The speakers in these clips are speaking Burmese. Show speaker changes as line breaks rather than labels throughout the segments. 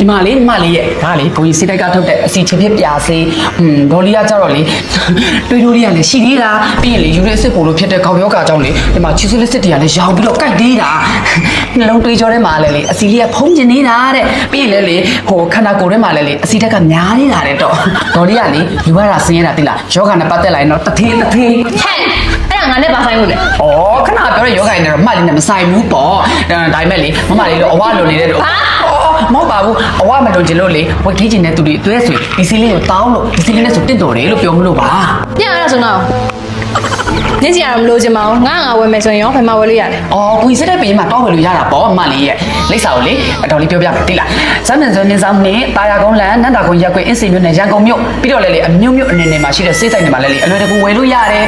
ဒီမှာလေရဲ့ဒါလေဘုံကြီးစိတ်တိုက်ကထုတ်တဲ့အစီချစ်ဖြစ်ပြာစေးဒေါ်လီကကြတော့လေတွေးတိုးလေးကလည်းရှိသေးတာပြီးရင်လေယူရစ်စစ်ပို့လို့ဖြစ်တဲ့ခေါက်ယောဂါကြောင့်လေဒီမှာချီဆူလစ်စစ်တွေကလည်းရောင်ပြီးတော့ကြိုက်သေးတာနှလုံးတွေးကြောထဲမှာလည်းလေအစီလေးကဖုံးကျင်နေတာတဲ့ပြီးရင်လေဟိုခန္ဓာကိုယ်ထဲမှာလည်းလေအစီတက်ကများနေတာတဲ့တော့ဒေါ်လီကလေယူရတာဆင်းရတာသိလားယောဂါနဲ့ပတ်သက်လာရင်တော့တထေးဟဲ့
အဲ့ဒါငါနဲ့ဘာဆိုင်လို့လဲ
ဩခဏပြောတဲ့ယောဂါနဲ့တော့မှတ်လေးနဲ့မဆိုင်ဘူးပေါ့ဒါပေမဲ့လေမမလေးတော့အဝလွန်နေတဲ့တော့မဟုတ်ပါဘူးအဝမလွန်ချင်လို့လေဝက်ထိချင်တဲ့သူတွေတွဲဆွေဒီစီလေးကိုတောင်းလို့ဒီစီလေးနဲ့ဆိုတင့်တော်တယ်လို့ပြောမလို့ပါ
ပြန်ရအောင်ဆိုတော့ညစီရတော့မလို့ချင်ပါဘူးငါဝယ်မယ်ဆိုရင်ရောဘယ်မှာဝယ်လို့ရလဲ
ကိုကြီးစတဲ့ပေးမှာတောင်းဝယ်လို့ရတာပေါ့အမလေးရဲ့လိပ်စာကိုလေအတော်လေးပြောပြမယ်တိလားဇမ်းမန်ဇွန်နေဆောင်နဲ့တာယာကုန်းလန်နန္တာကုန်းရက်ကွင်းအင်းစိန်မြို့နယ်ရန်ကုန်မြို့ပြီးတော့လေအမြို့မြို့အနေနဲ့မှာရှိတဲ့စေးဆိုင်တွေမှာလည်းအလွယ်တကူဝယ်လို့ရတယ်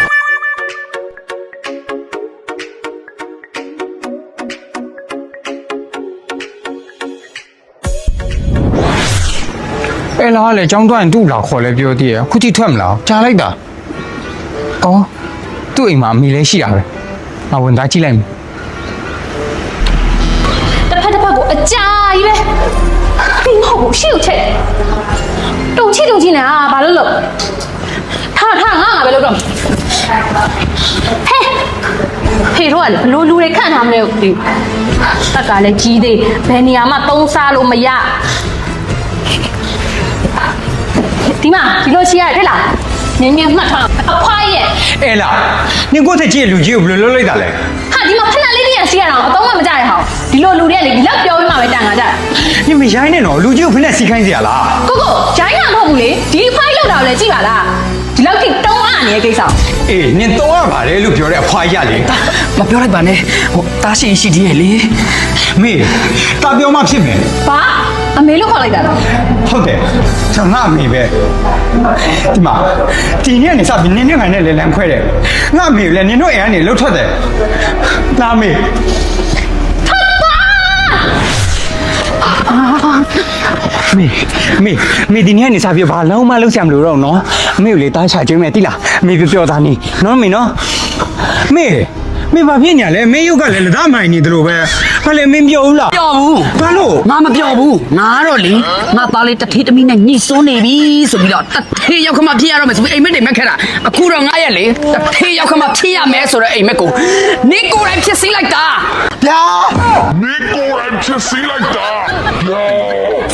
အဲ့လားလေចောင်းတွန်းသူ့လာခေါ်လဲပြောသေးရအခုကြည့်ထွက်မလားကြားလိုက်တာအော်သူ့အိမ်မှာအမိလဲရှိတာပဲငါဝင်သားကြည့်လိုက်မယ်
တစ်ဖက်ကိုအကြာကြီးပဲပြီးမဟုတ်ဘူးရှေ့ကိုချက်တုံချိနေဘာလို့လို့ထားငါပဲလို့တော့ဟဲ့ဖေတို့ကလေဘလို့လူတွေခန့်ထားမလဲဒီတက်ကလည်းကြီးသေးဘယ်နေရာမှသုံးစားလို့မရဒီမှာဒီလိုချီရတယ်လားနင်းမှတ်ထားအဖွားရဲ့
အဲ့လားနင်ကိုယ့်ထက်ကြီးလူကြီးကိုဘယ်လိုလုပ်လိုက်တာလဲ
ဟာဒီမှာဖက်လေးစီးရအောင်အတော့မှမကြရဟောင်းဒီလိုလူတွေကလေဒီလောက်ပြောပြီးမှပဲတန်ခါကြတာ
နင်မရိုင်းနဲ့တော့လူကြီးကိုဖက်စီခိုင်းစရာလား
ကိုရိုင်းတာမဟုတ်ဘူးလေဒီဖိုင်လောက်တာလည်းကြည့်ပါလားဒီလောက်ထိတုံးအားနေတဲ့ကိစ္စ
အေးနင်တော့ရပါလေလို့ပြောတဲ့အဖွားရလေ
မပြောလိုက်ပါနဲ့ဟိုတားရှိသေးရဲ့လေ
မေတာပြောမှဖြစ်မယ်
ဘာအမေလို့ခေါ်လိုက်တာလား
ဟုတ်တယ်ကျွန်တော်ငါအမေပဲဒီမှာဒီနေ့ကနေစပြီးနင်းနဲ့ငါနဲ့လဲလန်ခွဲတယ်ငါအမေလည်းနင်တို့အိမ်ကနေလှုပ်ထွက်တယ်လာမေမေဒီနေ့ကနေစပြီးဘာလုံးမလုံးဆရာမလို့တော့နော်အမေကိုလေတားချကျွေးမယ်တိလားအမေပြောသားနေနော်မေနော်မေဘာဖြစ်ညာလဲမေရုပ်ကလည်းလက်သားမိုင်နေတယ်လို့ပဲဘာလဲမင်းပြောဘူးလား
ပြောဘူး
ဘာလို့
ငါမပြောဘူးငါတော့လေငါသားလေးတထေးသမီးနဲ့ညှိစွန်းနေပြီဆိုပြီးတော့တထေးရောက်ခမဖြစ်ရတော့မယ်ဆိုပြီးအိမ်မက်တွေမက်ခဲ့တာအခုတော့ငါရဲ့လေတထေးရောက်ခမဖြစ်ရမယ်ဆိုတော့အိမ်မက်ကိုနေကိုယ်တိုင်ဖြစ်စီလိုက်တာ
ဗျာ
နေကိုယ်တိုင်ဖြစ်စီလိုက်တာဗျာ